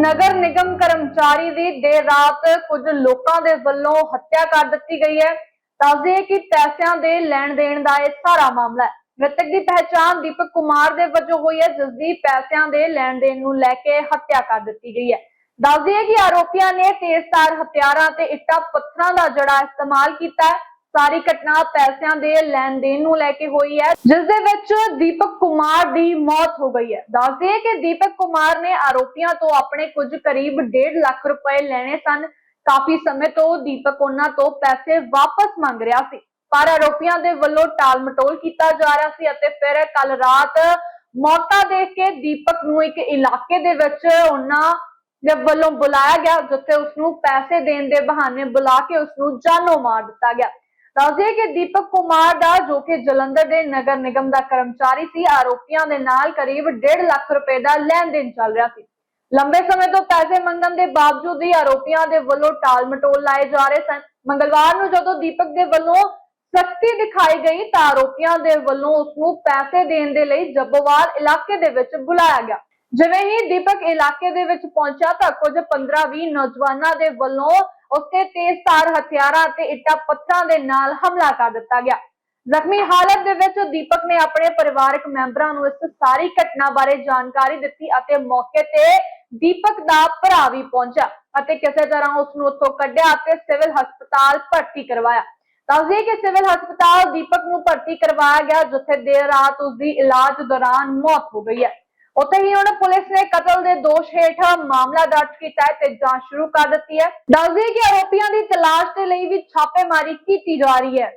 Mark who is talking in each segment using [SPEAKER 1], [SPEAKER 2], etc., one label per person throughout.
[SPEAKER 1] नगर निगम कर्मचारी की देर रात कुछ लोगों के वल्लों हत्या कर दी गई है। दस दिए कि पैसों के लैन देन का यह सारा मामला है। मृतक की पहचान दीपक कुमार के वजों हुई है, जिसकी पैसों के लैन देन को लैके हत्या कर दी गई है। दस दिए कि आरोपियों ने तेजधार हथियारों ते इट्टा पत्थरों का जड़ा इस्तेमाल किया है। सारी घटना पैसों के लैन देन को लैके हुई है, जिस दे विच दीपक कुमार की मौत हो गई है। दस दिए कि दीपक कुमार ने आरोपियों तो अपने कुछ करीब 1.5 लाख रुपए लेने सन। काफी समय तो दीपक उन्हां तो पैसे वापस मंग रहा सी, पर आरोपियों के वल्लों टाल मटोल किया जा रहा सी अते फिर कल रात मौका देख के दीपक नूं एक इलाके दे विच उन्हां दे वल्लों बुलाया गया, जिथे उसनूं पैसे देने के बहाने बुला के उसनूं जानों मार दिता गया। दस दिए कि दीपक कुमार दा जो कि जलंधर के नगर निगम का कर्मचारी सी, आरोपियों के नाल करीब 1.5 लाख रुपए का लेन देन चल रहा सी। लंबे समय तो पैसे मंगन के बावजूद ही आरोपियों के वल्लों टाल मटोल लाए जा रहे सन। मंगलवार नूं जदों दीपक के वल्लों सख्ती दिखाई गई तो आरोपियों के वल्लों उसनूं पैसे देने के लिए जब्बोवाल इलाके दे विच बुलाया गया। जिवें ही दीपक इलाके दे विच पहुंचा तो कुछ 15-20 नौजवानों के वल्लों उसते तेजधार हथियारां ते इट्टा पत्थरां दे नाल हमला कर दिता गया। जख्मी हालत दे विच दीपक ने अपने परिवारक मैंबरां नूं इस सारी घटना बारे जानकारी दित्ती अते मौके ते दीपक दा भरा भी पहुंचा अते किसी तरह उसनूं उत्थों कढिया अते सिविल हस्पताल भर्ती करवाया। दस दिए कि सिविल हस्पताल दीपक नूं भर्ती करवाया गया, जिथे देर रात उसकी इलाज दौरान मौत हो गई है। उत्थे ही हुण पुलिस ने कतल के दोष हेठ मामला दर्ज किया है ते जांच शुरू कर दी है। दस दिए कि आरोपियों की तलाश के लिए भी छापेमारी की जा रही है।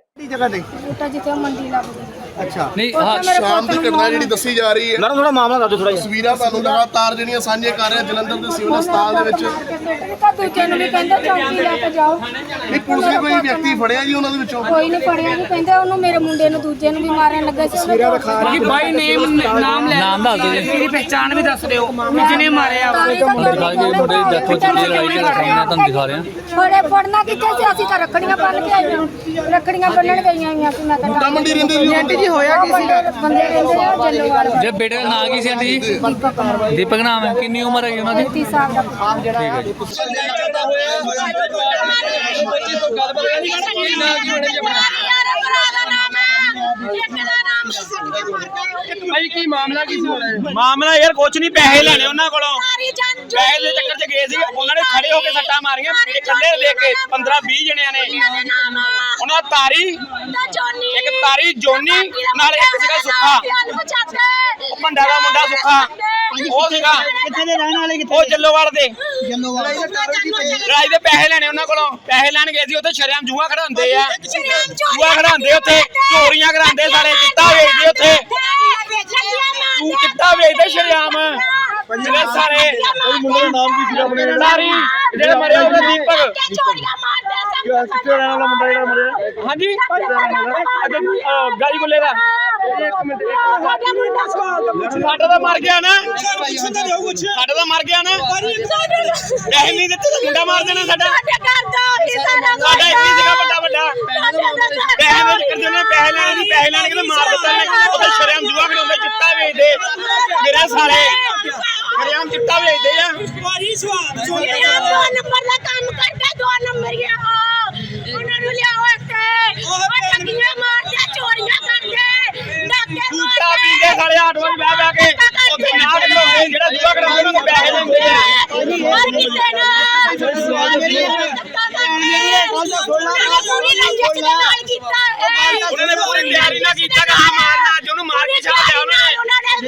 [SPEAKER 2] अच्छा
[SPEAKER 3] नहीं
[SPEAKER 2] शाम की घटना जी दसी जा रही है।
[SPEAKER 3] मैं थोड़ा मामला दस दो थोड़ा
[SPEAKER 2] तस्वीरां ਤੁਹਾਨੂੰ लगातार ਜਿਹੜੀਆਂ ਸਾਂਝੇ ਕਰ ਰਹੇ ਜਲੰਧਰ ਦੇ ਸਿਵਲ ਹਸਪਤਾਲ ਦੇ ਵਿੱਚ
[SPEAKER 4] ਦੂਜੇ ਨੂੰ ਵੀ ਕਹਿੰਦਾ ਚੌਂਕੀ ਲੈ ਕੇ ਜਾਓ।
[SPEAKER 2] ਨਹੀਂ ਪੁਲਿਸ ਨੇ ਕੋਈ ਵਿਅਕਤੀ ਫੜਿਆ ਜੀ ਉਹਨਾਂ ਦੇ ਵਿੱਚੋਂ?
[SPEAKER 4] ਕੋਈ ਨਹੀਂ ਫੜਿਆ ਜੀ, ਕਹਿੰਦੇ ਉਹਨੂੰ ਮੇਰੇ ਮੁੰਡੇ ਨੂੰ ਦੂਜੇ ਨੂੰ ਵੀ ਮਾਰਨ ਲੱਗਾ ਸੀ।
[SPEAKER 5] ਕਿ ਬਾਈ ਨੇਮ ਨਾਮ ਲੈ
[SPEAKER 3] ਨਾਮ ਦੱਸ ਦਿਓ ਜੀ।
[SPEAKER 5] ਮੇਰੀ ਪਹਿਚਾਣ ਵੀ ਦੱਸ ਦਿਓ ਜਿਹਨੇ ਮਾਰਿਆ
[SPEAKER 3] ਦਿਖਾ ਕੇ ਮੁੰਡੇ ਦੀ ਡੈਥ ਹੋ ਚੁੱਕੀ ਹੈ, ਲੜਾਈ ਝਗੜਾ ਹੋਇਆ, ਤੁਹਾਨੂੰ ਦਿਖਾ ਰਹੇ ਹਾਂ।
[SPEAKER 4] ਫੜੇ ਫੜਨਾ ਕਿੱਥੇ ਸੀ, ਅਸੀਂ ਤਾਂ ਰੱਖੜੀਆਂ ਬੰਨ ਕੇ ਆਏ ਹਾਂ। ਰੱਖੜੀਆਂ ਬੰਨਣ ਗਈਆਂ ਹੋਈਆਂ ਸੀ। ਮੈਂ ਤਾਂ
[SPEAKER 2] ਮੰਡੀ ਰਹਿੰਦੇ ਜੀ
[SPEAKER 5] ਆਂਟੀ ਜੀ ਹੋਇਆ ਕੀ ਸੀ?
[SPEAKER 4] ਬੰਦੇ ਰਹਿੰਦੇ ਆ ਜੱਲੋਵਾਲ।
[SPEAKER 3] ਜੇ ਬੇਟੇ ਦਾ ਨਾਂ ਕੀ ਸੀ ਆਂਟੀ ਜੀ? ਦੀਪਕ ਨਾਮ ਹੈ। ਕਿੰਨੀ ਉਮਰ ਹੈ ਉਹਨਾਂ ਦੀ?
[SPEAKER 4] 30 ਸਾਲ ਦਾ।
[SPEAKER 3] ਠੀਕ ਹੈ ਜੀ।
[SPEAKER 5] ਭਾਈ ਕੀ ਮਾਮਲਾ ਕੀ ਸੀ? ਮਾਮਲਾ ਯਾਰ ਕੁਛ ਨਹੀਂ, ਪੈਸੇ ਲੈਣੇ ਉਹਨਾਂ ਕੋਲੋਂ। ਪੈਸੇ ਦੇ ਚੱਕਰ 'ਚ ਗਏ ਸੀ, ਉਹਨਾਂ ਨੇ ਖੜੇ ਹੋ ਕੇ ਸੱਟਾਂ ਮਾਰੀਆਂ। ਇਕੱਲੇ ਦੇਖ ਕੇ 15-20 ਜਣਿਆਂ ਨੇ ਉਹਨਾਂ ਤਾਰੀ ਇੱਕ ਤਾਰੀ ਜੋਨੀ ਨਾਲ ਇੱਕ ਸੀਗਾ ਸੁੱਖਾ, ਉਹ ਭੰਡਾ ਦਾ ਮੁੰਡਾ ਸੁੱਖਾ, ਉਹ ਸੀਗਾ ਕਿੱਥੇ ਦੇ ਰਹਿਣ ਵਾਲੇ? ਉਹ ਜੱਲੋਵਾਲ ਦੇ। ਲੜਾਈ ਦੇ ਪੈਸੇ ਲੈਣੇ ਉਹਨਾਂ ਕੋਲੋਂ। ਪੈਸੇ ਲੈਣ ਗਏ ਸੀ, ਉੱਥੇ ਸ਼ਰੇਆਮ ਜੂਆ ਖੜਾਉਂਦੇ ਆ, ਜੂਆ ਖੜਾਉਂਦੇ ਉੱਥੇ, ਚੋਰੀਆਂ ਕਰਾਉਂਦੇ, ਸਾਰੇ ਚਿੱਟਾ ਵੇਚਦੇ ਉੱਥੇ। ਤੂੰ ਚਿੱਟਾ ਵੇਚਦੇ ਸ਼ਰੇਆਮ ਜਿਹੜੇ ਸਾਰੇ।
[SPEAKER 2] ਮੁੰਡੇ ਦਾ ਨਾਮ ਕੀ ਸੀਗਾ ਆਪਣੇ?
[SPEAKER 5] ਤਾਰੀ ਜਿਹੜਾ ਮਰਿਆ ਉਹਦਾ ਦੀਪਕ।
[SPEAKER 2] ਕਿੱਥੇ ਰਹਿਣ ਵਾਲਾ ਮੁੰਡਾ ਜਿਹੜਾ ਮਰਿਆ?
[SPEAKER 5] ਹਾਂਜੀ ਗਾਲੀ ਬੋਲੇ ਦਾ। ਸਾਡਾ ਤਾਂ ਮਰ ਗਿਆ ਨਾ, ਸਾਡਾ ਤਾਂ ਮਰ ਗਿਆ ਨਾ। ਪੈਸੇ ਨਹੀਂ ਦਿੱਤੇ ਤਾਂ ਮੁੰਡਾ ਮਾਰ ਦੇਣਾ ਸਾਡਾ। ਸਾਡਾ ਇੱਕ ਹੀ ਸੀਗਾ ਵੱਡਾ ਵੱਡਾ। ਪੈਸੇ ਦੇ ਚੱਕਰ 'ਚ ਉਹਨੇ ਪੈਸੇ ਲੈਣੇ ਸੀ, ਪੈਸੇ ਲੈਣ ਕੇ ਤਾਂ ਮਾਰ ਦਿੱਤਾ ਇਹਨੇ। ਉਹ ਤਾਂ ਸ਼ਰੇਆਮ ਜੂਆ ਖਿਡਾਉਂਦੇ, ਚਿੱਟਾ ਵੇਚਦੇ ਮੇਰੇ ਸਾਰੇ, ਸ਼ਰੇਆਮ ਚਿੱਟਾ ਵੇਚਦੇ ਆ।
[SPEAKER 4] ਉਹਨਾਂ ਨੂੰ ਲਿਆਓ ਇੱਥੇ, ਉਹ ਠੱਗੀਆਂ ਮਾਰਦੇ, ਚੋਰੀਆਂ ਕਰਦੇ, ਡਾਕੇ
[SPEAKER 5] ਚਿੱਟਾ ਪੀਂਦੇ ਸਾਲੇ ਆਟੋ 'ਚ ਬਹਿ ਬਹਿ ਕੇ ਉੱਥੇ ਨਾ ਖਿਡਾਉਂਦੇ, ਜਿਹੜਾ ਜੂਆ ਖਿਡਾਉਂਦੇ ਉਹਨਾਂ ਨੂੰ ਪੈਸੇ ਦਿੰਦੇ ਆ।
[SPEAKER 4] ਮਾਰ ਕਿਤੇ ਨਾ ਪੂਰੀ ਰੰਜਿਸ਼ ਦੇ ਨਾਲ ਕੀਤਾ ਹੈ।
[SPEAKER 5] ਉਹਨਾਂ ਨੇ ਪੂਰੀ ਤਿਆਰੀ ਨਾਲ ਕੀਤਾ ਕਿ ਹਾਂ ਮਾਰਨਾ, ਅੱਜ ਉਹਨੂੰ ਮਾਰ ਕੇ ਛੱਡ ਦਿਆ ਉਹਨਾਂ ਨੇ।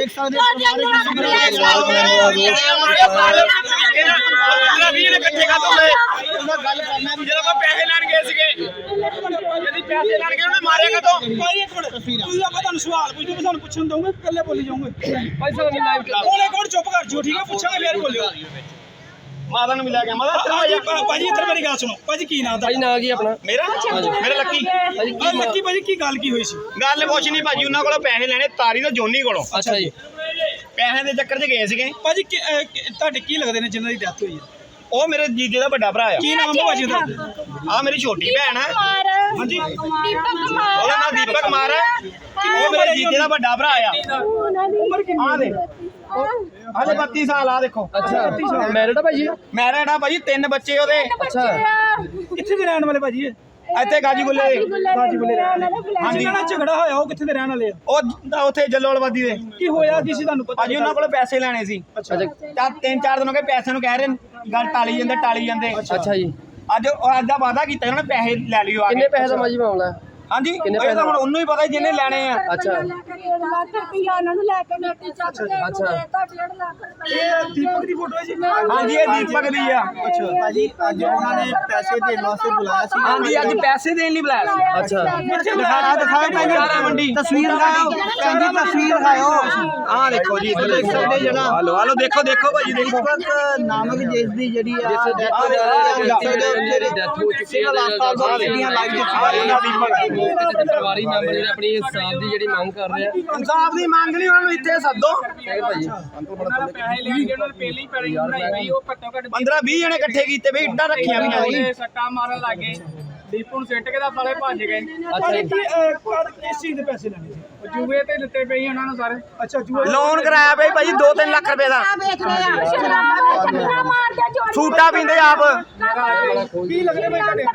[SPEAKER 5] ਇਕੱਠੇ ਕਰ ਦੋਗੇ ਜਦੋਂ ਆਪਾਂ ਪੈਸੇ ਲੈਣ ਗਏ ਸੀਗੇ, ਜਦ ਪੈਸੇ ਲੈਣ ਗਏ ਉਹਨੇ ਮਾਰਿਆ ਕਦੋਂ?
[SPEAKER 6] ਭਾਈ ਇੱਕ ਮਿੰਟ, ਤੁਸੀਂ ਆਪਾਂ ਤੁਹਾਨੂੰ ਸਵਾਲ ਪੁੱਛਦੇ, ਸਾਨੂੰ ਪੁੱਛਣ ਦਊਂਗੇ, ਇਕੱਲੇ ਬੋਲੀ ਜਾਓਗੇ?
[SPEAKER 5] ਭਾਈ ਸਾਹਿਬ ਨੇ ਲਾਈਵ ਕਰਾ
[SPEAKER 6] ਕੋਲੇ ਕੋਲ ਚੁੱਪ ਕਰ ਜਿਓ, ਠੀਕ ਹੈ? ਪੁੱਛਾਂਗੇ ਫੇਰ ਬੋਲਿਓ।
[SPEAKER 5] ਮਾਤਾ ਨੂੰ ਮਿਲਿਆ ਗਿਆ। ਮਾਤਾ
[SPEAKER 6] ਭਾਜੀ ਇੱਧਰ ਮੇਰੀ ਗੱਲ ਸੁਣੋ। ਭਾਜੀ ਕੀ ਨਾਮ ਦਾ?
[SPEAKER 5] ਭਾਈ ਨਾਂ ਕੀ ਆਪਣਾ? ਮੇਰਾ ਲੱਕੀ।
[SPEAKER 6] ਲੱਕੀ ਭਾਜੀ ਕੀ ਗੱਲ ਕੀ ਹੋਈ ਸੀ?
[SPEAKER 5] ਗੱਲ ਕੁਛ ਨਹੀਂ ਭਾਜੀ, ਉਹਨਾਂ ਕੋਲੋਂ ਪੈਸੇ ਲੈਣੇ ਤਾਰੀ ਤੋਂ ਜੋਨੀ ਕੋਲੋਂ।
[SPEAKER 6] ਅੱਛਾ ਜੀ।
[SPEAKER 5] ਪੈਸੇ ਦੇ ਚੱਕਰ 'ਚ ਗਏ ਸੀਗੇ।
[SPEAKER 6] ਭਾਜੀ ਤੁਹਾਡੇ ਕੀ ਲੱਗਦੇ ਨੇ ਜਿਨ੍ਹਾਂ ਦੀ ਡੈਥ ਹੋਈ ਹੈ?
[SPEAKER 5] ਉਹ ਮੇਰੇ ਜੀਜੇ ਦਾ ਵੱਡਾ ਭਰਾ ਆ।
[SPEAKER 6] ਕੀ ਨਾਮ ਹੈ ਭਾਜੀ ਦਾ?
[SPEAKER 5] ਆ ਮੇਰੀ ਛੋਟੀ ਭੈਣ ਆ। ਹਾਂਜੀ
[SPEAKER 4] ਦੀਪਕ ਕੁਮਾਰ।
[SPEAKER 5] ਉਹਦਾ ਨਾਮ ਦੀਪਕ ਕੁਮਾਰ ਹੈ। ਉਹ ਮੇਰੇ ਜੀਜੇ ਦਾ ਵੱਡਾ ਭਰਾ ਆ।
[SPEAKER 6] ਉਮਰ ਕਿੰਨੀ
[SPEAKER 5] ਆ ਦੇ ਹਾਲੇ 32 ਸਾਲ ਆ ਦੇਖੋ।
[SPEAKER 3] ਅੱਛਾ ਮੈਰਿਡ ਆ ਭਾਜੀ?
[SPEAKER 5] ਮੈਰਿਡ ਆ ਭਾਜੀ, 3 ਬੱਚੇ ਉਹਦੇ।
[SPEAKER 3] ਅੱਛਾ
[SPEAKER 6] ਕਿੱਥੇ ਦੇ ਰਹਿਣ ਵਾਲੇ ਭਾਜੀ?
[SPEAKER 5] ਇੱਥੇ ਗਾਜੀਬੁੱਲੇ
[SPEAKER 6] ਗਾਜੀਬੁੱਲੇ ਹਾਂਜੀ ਜਿਹੜਾ ਝਗੜਾ ਹੋਇਆ ਉਹ ਕਿੱਥੇ ਦੇ ਰਹਿਣ ਵਾਲੇ ਆ?
[SPEAKER 5] ਉਹ ਉੱਥੇ ਜੱਲੋਲਵਾਦੀ ਦੇ।
[SPEAKER 6] ਕੀ ਹੋਇਆ ਕੀ ਸੀ ਤੁਹਾਨੂੰ ਪਤਾ?
[SPEAKER 5] ਭਾਜੀ ਉਹਨਾਂ ਕੋਲ ਪੈਸੇ ਲੈਣੇ ਸੀ।
[SPEAKER 6] ਅੱਛਾ
[SPEAKER 5] ਤਾਂ 3-4 ਦਿਨ ਹੋ ਗਏ ਪੈਸਿਆਂ ਨੂੰ ਕਹਿ ਰਹੇ, ਗੱਲ ਟਾਲੀ ਜਾਂਦੇ।
[SPEAKER 3] ਅੱਛਾ ਜੀ,
[SPEAKER 5] ਅੱਜ ਦਾ ਵਾਅਦਾ ਕੀਤਾ ਉਹਨਾਂ ਨੇ ਪੈਸੇ ਲੈ ਲਿਓ ਆ
[SPEAKER 3] ਕਿੰਨੇ ਪੈਸੇ ਦਾ ਮਾਜੀ ਮਾਮਲਾ ਹੈ?
[SPEAKER 5] ਹਾਂਜੀ ਇਹ ਤਾਂ ਹੁਣ ਉਹਨੂੰ ਹੀ ਪਤਾ ਜਿਹਨੇ ਲੈਣੇ ਆ।
[SPEAKER 3] ਅੱਛਾ
[SPEAKER 6] ਇਹ ਦੀਪਕ ਦੀ ਫੋਟੋ ਹੈ ਜੀ?
[SPEAKER 5] ਹਾਂਜੀ ਇਹ ਦੀਪਕ ਦੀ ਆ।
[SPEAKER 6] ਅੱਛਾ ਭਾਜੀ ਅੱਜ ਉਹਨਾਂ ਨੇ ਪੈਸੇ ਦੇਣ ਵਾਸਤੇ ਬੁਲਾਇਆ ਸੀ।
[SPEAKER 5] ਹਾਂਜੀ ਅੱਜ ਪੈਸੇ ਦੇਣ ਲਈ ਬੁਲਾਇਆ ਸੀ।
[SPEAKER 3] ਅੱਛਾ
[SPEAKER 5] ਦਿਖਾਓ ਸਾਰਾ ਮੰਡੀ
[SPEAKER 6] ਤਸਵੀਰ ਦਿਖਾਓ ਕਹਿੰਦੀ ਤਸਵੀਰ ਦਿਖਾਓ।
[SPEAKER 5] ਆਹ ਦੇਖੋ ਜੀ ਇੱਧਰ ਦੇਖ ਸਕਦੇ ਜਿਹੜਾ ਹਲੋ ਦੇਖੋ ਭਾਜੀ ਦੇਖੋ
[SPEAKER 6] ਨਾਮਕ ਜਿਸ ਦੀ ਜਿਹੜੀ ਆ
[SPEAKER 3] ਡੈਥ ਹੋ ਚੁੱਕੀ ਹੈ ਪਰਿਵਾਰੀ ਮੈਂਬਰ ਜਿਹੜੇ ਆਪਣੀ ਇਨਸਾਫ ਦੀ ਜਿਹੜੀ ਮੰਗ ਕਰ ਰਹੇ ਆ।
[SPEAKER 5] ਇਨਸਾਫ ਦੀ ਮੰਗ ਲਈ ਉਹਨਾਂ ਨੂੰ ਇੱਥੇ ਸੱਦੋ।
[SPEAKER 3] ਭਾਜੀ
[SPEAKER 5] ਪੈਸੇ ਲੈਣਗੇ ਉਹਨਾਂ ਨੇ ਪਹਿਲੀ ਪੈੜੀ ਬਣਾਈ ਹੋਈ ਉਹ ਘੱਟੋ ਘੱਟ 15-20 ਜਣੇ ਇਕੱਠੇ ਕੀਤੇ ਬਈ ਇੱਟਾਂ ਰੱਖੀਆਂ ਵੀ ਨਹੀਂ।
[SPEAKER 7] ਸੱਟਾਂ ਮਾਰਨ ਲੱਗੇ ਦੀਪੂ ਨੂੰ ਸਿੱਟ ਕੇ ਤਾਂ ਸਾਲੇ ਭੱਜ ਗਏ।
[SPEAKER 6] ਕਿਸ ਚੀਜ਼ ਦੇ ਪੈਸੇ ਲੈਣੇ ਸੀ?
[SPEAKER 7] ਜੂਏ ਤੇ ਦਿੱਤੇ ਪਈ ਉਹਨਾਂ ਨੂੰ ਸਾਰੇ।
[SPEAKER 6] ਅੱਛਾ ਜੂਆ
[SPEAKER 5] ਲੋਨ ਕਰਾਇਆ ਬਈ ਭਾਜੀ 2-3 ਲੱਖ ਰੁਪਏ ਦਾ। ਸੂਟਾ ਪੀਂਦੇ ਆਪ।
[SPEAKER 6] ਕੀ ਲੱਗਦਾ ਬਈ ਤੁਹਾਡੇ?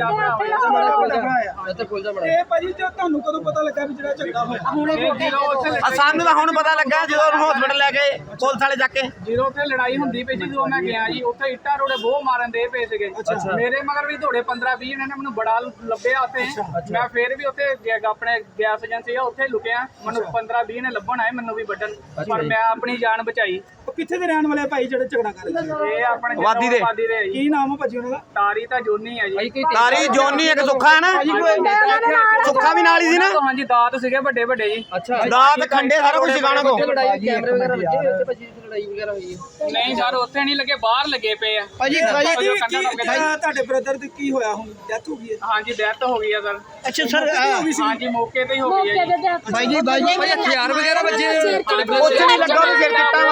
[SPEAKER 3] ਇੱਥੇ ਖੁੱਲ ਜਾ
[SPEAKER 6] ਇਹ ਭਾਜੀ ਤੇ ਤੁਹਾਨੂੰ ਕਦੋਂ ਪਤਾ ਲੱਗਾ ਵੀ ਜਿਹੜਾ ਝਗੜਾ ਹੋਇਆ?
[SPEAKER 5] ਸਾਨੂੰ ਤਾਂ ਹੁਣ ਪਤਾ ਲੱਗਾ ਜਦੋਂ ਹਸਪੀਟਲ ਲੈ ਗਏ ਪੁਲਿਸ ਵਾਲੇ ਜਾ ਕੇ।
[SPEAKER 7] ਜਦੋਂ ਉੱਥੇ ਲੜਾਈ ਹੁੰਦੀ ਪਈ ਸੀ ਜਦੋਂ ਮੈਂ ਗਿਆ ਜੀ ਉੱਥੇ ਇੱਟਾਂ ਰੋੜੇ ਬਹੁਤ ਮਾਰਨ ਦੇ ਪਏ ਸੀਗੇ। ਮੇਰੇ ਮਗਰ ਵੀ ਥੋੜੇ 15-20 ਜਣੇ ਨੇ ਮੈਨੂੰ ਬੜਾ ਲੱਭਿਆ ਉੱਥੇ। ਮੈਂ ਫੇਰ ਵੀ ਉੱਥੇ ਆਪਣੇ ਗੈਸ ਏਜੰਸੀ ਆ ਉੱਥੇ ਲੁਕਿਆ। ਮੈਨੂੰ 15-20 ਨੇ ਲੱਭਣ ਆਏ ਮੈਨੂੰ ਵੀ ਵੱਢਣ, ਪਰ ਮੈਂ ਆਪਣੀ ਜਾਨ ਬਚਾਈ।
[SPEAKER 6] ਉਹ ਕਿੱਥੇ ਦੇ ਰਹਿਣ ਵਾਲੇ ਭਾਈ ਜਿਹੜੇ ਝਗੜਾ ਕਰ ਰਹੇ ਸੀ?
[SPEAKER 7] ਇਹ ਆਪਣੇ
[SPEAKER 5] ਵਾਦੀ ਦੇ
[SPEAKER 7] ਆ ਜੀ।
[SPEAKER 6] ਕੀ ਨਾਮ ਆ ਭਾਜੀ ਉਹਨਾਂ ਦਾ?
[SPEAKER 7] ਤਾਰੀ ਤਾਂ ਜੋਨੀ ਆ ਜੀ।
[SPEAKER 5] ਤਾਰੀ ਜੋਨੀ ਇੱਕ ਸੁੱਖਾ ਹੈ ਨਾ, ਸੁੱਖਾ ਵੀ ਨਾਲ ਹੀ ਸੀ ਨਾ।
[SPEAKER 7] ਹਾਂਜੀ ਦਾਤ ਸੀਗੇ ਵੱਡੇ ਜੀ।
[SPEAKER 3] ਅੱਛਾ
[SPEAKER 5] ਦਾਤ ਖੰਡੇ ਸਾਰਾ ਕੁਝ ਸਿਖਾਣਾ ਕੋ।
[SPEAKER 3] ਲੜਾਈ ਕੈਮਰੇ ਵਗੈਰਾ ਲੱਗੇ ਹੋਏ ਉੱਥੇ ਭਾਜੀ? ਲੜਾਈ ਵਗੈਰਾ ਹੋਈ ਹੈ?
[SPEAKER 7] ਨਹੀਂ ਸਰ ਉੱਥੇ ਨਹੀਂ ਲੱਗੇ, ਬਾਹਰ ਲੱਗੇ ਪਏ ਆ।
[SPEAKER 6] ਭਾਜੀ ਤੁਹਾਡੇ ਬ੍ਰਦਰ ਦੀ ਕੀ ਹੋਇਆ ਹੁਣ? ਡੈਥ ਹੋ ਗਈ ਹੈ?
[SPEAKER 7] ਹਾਂਜੀ ਡੈਥ ਹੋ ਗਈ ਆ ਸਰ।
[SPEAKER 6] ਅੱਛਾ ਸਰ
[SPEAKER 7] ਹਾਂਜੀ ਮੌਕੇ ਤੇ ਹੀ ਹੋ ਗਈ ਹੈ ਜੀ।
[SPEAKER 3] ਭਾਈ ਹਥਿਆਰ ਵਗੈਰਾ ਵੱਜੇ
[SPEAKER 5] ਉੱਥੇ ਨਹੀਂ ਲੱਗਾ ਉਹਨੇ ਸਿਰ ਚਿੱਟਾਂ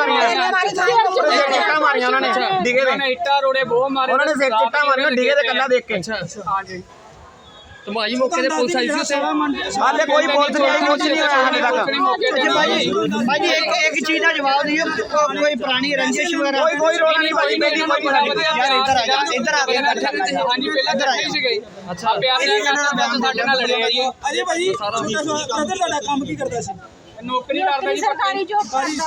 [SPEAKER 5] ਮਾਰੀਆਂ ਉਹਨਾਂ ਨੇ ਡਿਗੇ
[SPEAKER 7] ਉਹਨਾਂ ਨੇ ਇੱਟਾਂ ਰੋੜੇ ਬਹੁਤ ਮਾਰੇ।
[SPEAKER 5] ਉਹਨਾਂ ਨੇ ਸਿਰ ਚਿੱਟਾਂ ਮਾਰੀਆਂ ਡਿਗੇ ਤੇ ਕੱਲਾ ਦੇਖ ਕੇ।
[SPEAKER 7] ਹਾਂਜੀ
[SPEAKER 3] ਤੇ ਭਾਈ ਮੌਕੇ ਤੇ ਪੁਲਿਸ ਆਈ ਸੀ ਉੱਥੇ?
[SPEAKER 5] ਹਾਲੇ ਕੋਈ ਪੁਲਿਸ ਨਹੀਂ ਆਈ, ਕੁਝ ਨਹੀਂ ਹੋਇਆ ਹਾਲੇ ਤੱਕ।
[SPEAKER 6] ਭਾਜੀ ਇੱਕ ਚੀਜ਼ ਦਾ ਜਵਾਬ ਦਿਓ, ਕੋਈ ਪੁਰਾਣੀ ਰੰਜਿਸ਼ ਵਗੈਰਾ?
[SPEAKER 5] ਕੋਈ ਰੋਲਾ ਨਹੀਂ ਭਾਜੀ, ਮੇਰੀ ਕੋਈ
[SPEAKER 6] ਯਾਰ ਇੱਧਰ ਆ ਜਾ, ਇੱਧਰ ਆ ਕੇ
[SPEAKER 7] ਹਾਂਜੀ ਪਹਿਲਾਂ ਇਕੱਠੇ ਸੀਗੇ। ਅੱਛਾ ਪਿਆਰ ਨਾਲ ਸਾਡੇ ਨਾਲ ਲੜੇ ਆ ਜੀ।
[SPEAKER 6] ਅਜੇ ਭਾਜੀ ਬ੍ਰਦਰ ਤੁਹਾਡਾ ਕੰਮ ਕੀ ਕਰਦਾ ਸੀ?
[SPEAKER 7] ਨੌਕਰੀ ਕਰਦਾ ਜੀ
[SPEAKER 4] ਸਰਕਾਰੀ ਜੋਬ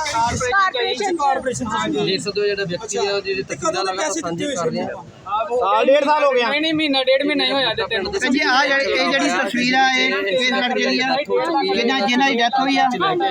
[SPEAKER 6] ਕਾਰਪੋਰੇਸ਼ਨ
[SPEAKER 3] ਜਿਸ ਦੋ ਜਿਹੜਾ ਵਿਅਕਤੀ ਹੈ ਉਹ ਜਿਹੜੀ ਤਸਵੀਰਾਂ ਲਗਾ ਸਾਂਝੀ ਕਰ ਰਹੇ ਆ।
[SPEAKER 5] ਸਾਲ 1.5 ਸਾਲ ਹੋ ਗਿਆ।
[SPEAKER 7] ਨਹੀਂ ਮਹੀਨਾ 1.5 ਮਹੀਨਾ ਹੀ ਹੋਇਆ ਦਿੱਤੇ ਨੂੰ।
[SPEAKER 6] ਜੀ ਆ ਜਿਹੜੀ ਤਸਵੀਰ ਆ ਇਹ ਲੜਕੇ ਦੀ ਆ ਜਿਹਨਾਂ ਦੀ ਡੈਥ ਹੋਈ ਆ।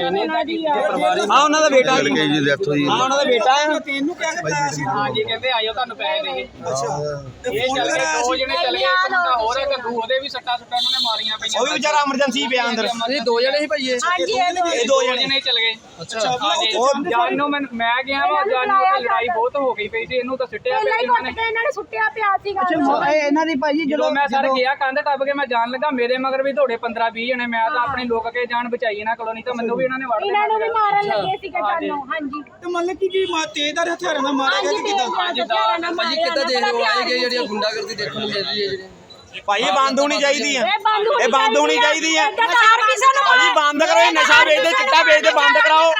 [SPEAKER 5] ਹਾਂ ਉਹਨਾਂ ਦਾ ਬੇਟਾ ਜੀ ਦੀ ਡੈਥ ਹੋਈ। ਹਾਂ ਉਹਨਾਂ ਦਾ ਬੇਟਾ ਹੈ।
[SPEAKER 6] ਤੈਨੂੰ ਕਿਹਾ ਕਰਦਾ ਸੀ?
[SPEAKER 7] ਹਾਂਜੀ ਕਹਿੰਦੇ ਆਇਓ ਤੁਹਾਨੂੰ ਪੈਸੇ ਦੇਗੇ।
[SPEAKER 6] ਅੱਛਾ
[SPEAKER 7] ਇਹ ਚੱਲ ਗਏ, 2 ਜਣੇ ਚੱਲ ਗਏ, ਇੱਕ ਮੁੰਡਾ ਹੋਰ ਹੈ ਕੱਦੂ, ਉਹਦੇ ਵੀ ਸੱਟਾਂ ਉਹਨਾਂ ਨੇ ਮਾਰੀਆਂ ਪਈਆਂ।
[SPEAKER 5] ਉਹ ਵੀ ਵਿਚਾਰਾ ਐਮਰਜੈਂਸੀ ਪਿਆ ਅੰਦਰ।
[SPEAKER 3] ਇਹ ਦੋ ਜਣੇ ਹੀ ਭਾਈ
[SPEAKER 5] ਇਹ 2 ਜਣੇ
[SPEAKER 7] ਚੱਲ ਗਏ।
[SPEAKER 3] ਅੱਛਾ
[SPEAKER 7] ਹਾਂਜੀ ਜਾਨੂ ਮੈਂ ਗਿਆ ਵਾ ਜਾਨੂ ਤੇ ਲੜਾਈ ਬਹੁਤ ਹੋ ਗਈ ਪਈ ਸੀ। ਇਹਨੂੰ ਤਾਂ ਸਿੱਟਿਆ ਪਿਆ
[SPEAKER 4] ਇਹਨਾਂ ਨੇ ਸੁੱਟਿਆ ਪਿਆ ਸੀਗਾ।
[SPEAKER 6] ਇਹਨਾਂ ਦੀ ਭਾਜੀ
[SPEAKER 7] ਜਦੋਂ ਮੈਂ ਸਾਰੇ ਗਿਆ ਕੰਧ ਟੱਪ ਕੇ ਮੈਂ ਜਾਣ ਲੱਗਾ, ਮੇਰੇ ਮਗਰ ਵੀ ਥੋੜੇ 15-20 ਜਣੇ। ਮੈਂ ਤਾਂ ਆਪਣੀ ਲੁੱਕ ਕੇ ਜਾਨ ਬਚਾਈ ਇਹਨਾਂ ਕੋਲੋਂ, ਨਹੀਂ ਤਾਂ ਮੈਨੂੰ ਵੀ ਇਹਨਾਂ ਨੇ ਵੜ
[SPEAKER 4] ਇਹਨਾਂ ਨੂੰ ਵੀ ਮਾਰਨ ਲੱਗੇ ਸੀਗੇ ਜਾਨੋਂ। ਹਾਂਜੀ
[SPEAKER 6] ਤੇ ਮਤਲਬ ਕਿ ਤੇਜ਼ਦਾਰ ਹਥਿਆਰਾਂ ਨਾਲ ਮਾਰਿਆ ਗਿਆ ਕਿ ਕਿਦਾਂ?
[SPEAKER 3] ਭਾਜੀ ਕਿੱਦਾਂ ਦੇਖ ਰਹੇ ਹੋ ਆਏ ਗਏ ਜਿਹੜੀਆਂ ਗੁੰਡਾਗਰਦੀ ਦੇਖਣ ਨੂੰ ਮਿਲ ਰਹੀ ਹੈ ਜਿਹੜੀ?
[SPEAKER 5] ਭਾਈ ਇਹ ਬੰਦ ਹੋਣੀ ਚਾਹੀਦੀ ਹੈ। ਇਹ ਬੰਦ ਹੋਣੀ ਚਾਹੀਦੀ ਹੈ ਭਾਜੀ। ਬੰਦ ਕਰੋ ਇਹ ਨਸ਼ਾ ਵੇਚਦੇ, ਚਿੱਟਾ ਵੇਚਦੇ, ਬੰਦ ਕਰਾਓ।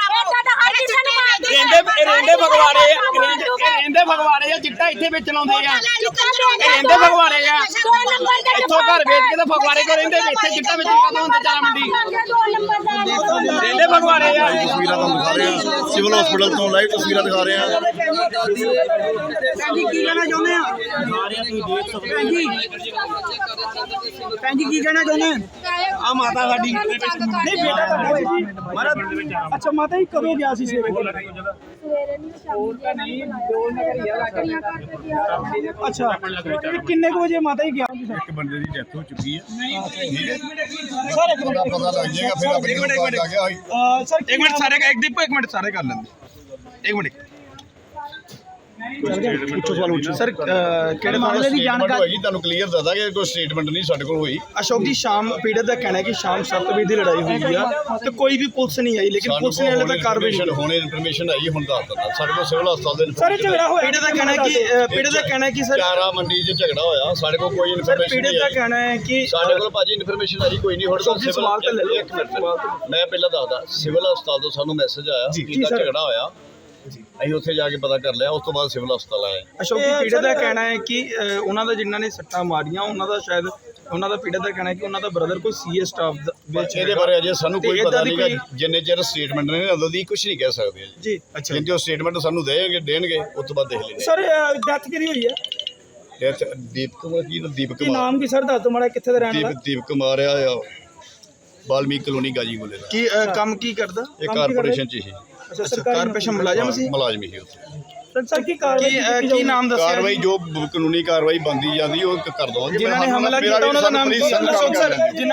[SPEAKER 5] ਰਹਿੰਦੇ ਫਗਵਾੜੇ ਰਹਿੰਦੇ ਫਗਵਾੜੇ ਆ, ਚਿੱਟਾ ਇੱਥੇ ਵੇਚਣ ਆਉਂਦੇ ਆ। ਇਹ ਰਹਿੰਦੇ ਫਗਵਾੜੇ ਆ, ਇੱਥੋਂ ਘਰ ਵੇਚ ਕੇ ਤਾਂ ਫਗਵਾੜੇ ਕੋ ਰਹਿੰਦੇ, ਇੱਥੇ ਚਿੱਟਾ ਵੇਚਣ ਕਾਹਤੋਂ ਹੁੰਦੇ ਚਾਰਾ ਮੰਡੀ। ਰਹਿੰਦੇ ਫਗਵਾੜੇ ਆ।
[SPEAKER 8] ਤਸਵੀਰਾਂ ਤੁਹਾਨੂੰ ਦਿਖਾ ਰਹੇ ਹਾਂ, ਸਿਵਲ ਹਸਪੀਟਲ ਤੋਂ ਲਾਈਵ ਤਸਵੀਰਾਂ ਦਿਖਾ ਰਹੇ ਹਾਂ।
[SPEAKER 6] ਕੀ ਕਹਿਣਾ ਚਾਹੁੰਦੇ ਆ? ਭੈਣ ਜੀ ਕੀ ਕਹਿਣਾ ਚਾਹੁੰਦੇ ਆ?
[SPEAKER 5] ਆ ਮਾਤਾ ਸਾਡੀ
[SPEAKER 6] ਨਹੀਂ ਬੇਟਾ ਤੁਹਾਡਾ ਜੀ। ਅੱਛਾ ਮਾਤਾ ਜੀ ਕਦੋਂ ਗਿਆ ਸੀ ਸਵੇਰੇ? ਅੱਛਾ ਕਿੰਨੇ ਕੁ ਵਜੇ ਮਾਤਾ ਜੀ ਗਿਆ?
[SPEAKER 8] ਇੱਕ ਬੰਦੇ ਦੀ ਡੈਥ ਹੋ ਚੁੱਕੀ ਹੈ।
[SPEAKER 6] ਸਰ ਇੱਕ ਮਿੰਟ
[SPEAKER 8] ਪਤਾ ਲੱਗ ਜਾਏਗਾ ਫਿਰ ਆਪਣੇ ਨੂੰ ਪਤਾ ਲੱਗ ਗਿਆ।
[SPEAKER 6] ਸਰ
[SPEAKER 5] ਇੱਕ ਮਿੰਟ ਸਾਰੇ ਇੱਕ ਮਿੰਟ ਸਾਰੇ ਕਰ ਲੈਂਦੇ। ਇੱਕ ਮਿੰਟ
[SPEAKER 8] ਪੁੱਛੋ ਸਵਾਲ ਪੁੱਛੋ ਸਰ ਕਿਹੜੇ ਮਾਮਲੇ ਦੀ ਜਾਣਕਾਰੀ ਹੋਈ ਤੁਹਾਨੂੰ ਕਲੀਅਰ ਦੱਸਦਾ ਕਿ ਕੋਈ ਸਟੇਟਮੈਂਟ ਨਹੀਂ ਸਾਡੇ ਕੋਲ ਹੋਈ।
[SPEAKER 6] ਅਸ਼ੋਕ ਜੀ ਸ਼ਾਮ ਪੀੜਤ ਦਾ ਕਹਿਣਾ ਹੈ ਕਿ ਸ਼ਾਮ 7 ਵਜੇ ਦੀ ਲੜਾਈ ਹੋਈ ਆ ਤੇ ਕੋਈ ਵੀ ਪੁਲਿਸ ਨਹੀਂ ਆਈ, ਲੇਕਿਨ ਪੁਲਿਸ ਨੇ ਹਲੇ ਤੱਕ ਕਾਰਵਾਈ ਨਹੀਂ
[SPEAKER 8] ਹੁਣੇ ਇਨਫੋਰਮੇਸ਼ਨ ਆਈ ਹੁਣ ਦੱਸ ਦਿੰਦਾ ਸਾਡੇ ਕੋਲ ਸਿਵਲ ਹਸਪਤਾਲ ਦੇ
[SPEAKER 6] ਸਰ ਝਗੜਾ ਹੋਇਆ ਪੀੜਤ ਦਾ ਕਹਿਣਾ ਹੈ ਕਿ ਸਰ
[SPEAKER 8] ਚਾਰਾ ਮੰਡੀ 'ਚ ਝਗੜਾ ਹੋਇਆ ਸਾਡੇ ਕੋਲ ਕੋਈ ਇਨਫੋਰਮੇਸ਼ਨ
[SPEAKER 6] ਪੀੜਤ
[SPEAKER 8] ਨਹੀਂ
[SPEAKER 6] ਦਾ
[SPEAKER 8] ਆਈ।
[SPEAKER 6] ਕਹਿਣਾ ਹੈ ਕਿ
[SPEAKER 8] ਸਾਡੇ ਕੋਲ ਭਾਜੀ ਇਨਫੋਰਮੇਸ਼ਨ ਆਈ ਕੋਈ ਨਹੀਂ ਹੁਣ
[SPEAKER 6] ਸਵਾਲ ਤਾਂ ਲੈ ਲਓ।
[SPEAKER 8] ਇੱਕ ਮਿੰਟ ਮੈਂ ਪਹਿਲਾਂ ਦੱਸਦਾ ਸਿਵਲ ਹਸਪਤਾਲ ਤੋਂ ਸਾਨੂੰ ਮੈਸੇਜ ਆਇਆ ਕਿ ਝਗੜਾ ਹੋਇਆ, ਅਸੀਂ ਉੱਥੇ ਜਾ ਕੇ ਪਤਾ ਕਰ ਲਿਆ, ਉਸ ਤੋਂ ਬਾਅਦ ਸਿਵਲ ਹਸਪਤਾਲ ਆਏ।
[SPEAKER 6] ਅਸ਼ੋਕ ਜੀ ਪੀੜਤ ਦਾ ਕਹਿਣਾ ਹੈ ਕਿ ਉਹਨਾਂ ਦਾ ਜਿਨ੍ਹਾਂ ਨੇ ਸੱਟਾਂ ਮਾਰੀਆਂ ਉਹਨਾਂ ਦਾ ਸ਼ਾਇਦ ਉਹਨਾਂ ਦਾ ਪੀੜਤ ਦਾ ਕਹਿਣਾ ਹੈ ਕਿ ਉਹਨਾਂ ਦਾ ਬ੍ਰਦਰ ਕੋਈ ਸੀਏ ਸਟਾਫ ਵਿੱਚ
[SPEAKER 8] ਇਹਦੇ ਬਾਰੇ ਅਜੇ ਸਾਨੂੰ ਕੋਈ
[SPEAKER 6] ਤੇ
[SPEAKER 8] ਪਤਾ
[SPEAKER 6] ਏਦਾਂ ਦੀ
[SPEAKER 8] ਨਹੀਂ ਜਿੰਨੇ ਚਿਰ ਸਟੇਟਮੈਂਟ ਨੇ ਉਦੋਂ ਦੀ ਕੁਝ ਨਹੀਂ ਕਹਿ ਸਕਦੇ
[SPEAKER 6] ਜੀ। ਅੱਛਾ
[SPEAKER 8] ਜਿੰਨੇ ਉਹ ਸਟੇਟਮੈਂਟ ਸਾਨੂੰ ਦੇਣਗੇ ਉਸ ਤੋਂ ਬਾਅਦ ਦੇਖ ਲੈਂਦੇ।
[SPEAKER 6] ਸਰ ਡੈਥ ਕਿਹਦੀ ਹੋਈ ਹੈ?
[SPEAKER 8] ਦੀਪਕ ਕੁਮਾਰ ਦੀਪਕ
[SPEAKER 6] ਕੀ
[SPEAKER 8] ਕੁਮਾਰ
[SPEAKER 6] ਨਾਮ ਕੀ ਸਰ ਦੱਸ ਦਿਓ ਮਾੜਾ ਕਿੱਥੇ ਦਾ ਰਹਿਣ ਵਾਲਾ?
[SPEAKER 8] ਦੀਪਕ ਕੁਮਾਰ ਆ ਬਾਲਮੀਕ ਕਲੋਨੀ ਗਾਜੀਪੁਰੇ ਦਾ।
[SPEAKER 6] ਕੀ ਕੰਮ ਕੀ ਕਰਦਾ?
[SPEAKER 8] ਇਹ ਕਾਰਪੋਰੇਸ਼ਨ ਚ ਹੀ
[SPEAKER 6] ਅੱਛਾ ਸਰਕਾਰੀ ਕਾਰਪੋਰੇਸ਼ਨ ਮੁਲਾਜ਼ਮ ਸੀ।
[SPEAKER 8] ਮੁਲਾਜ਼ਮ ਹੀ ਉੱਥੇ।
[SPEAKER 6] ਸਰ ਕੀ ਕਾਰਵਾਈ ਕੀ ਨਾਮ ਦੱਸਿਆ?
[SPEAKER 8] ਕਾਰਵਾਈ ਜੋ ਕਾਨੂੰਨੀ ਕਾਰਵਾਈ ਬਣਦੀ ਜਾਂਦੀ ਉਹ ਕਰ ਦਵਾਂਗੇ।
[SPEAKER 6] ਜਿਨ੍ਹਾਂ ਨੇ ਹਮਲਾ ਕੀਤਾ ਉਹਨਾਂ ਦਾ ਨਾਮ ਕੀ? ਅਸ਼ੋਕ ਸਰ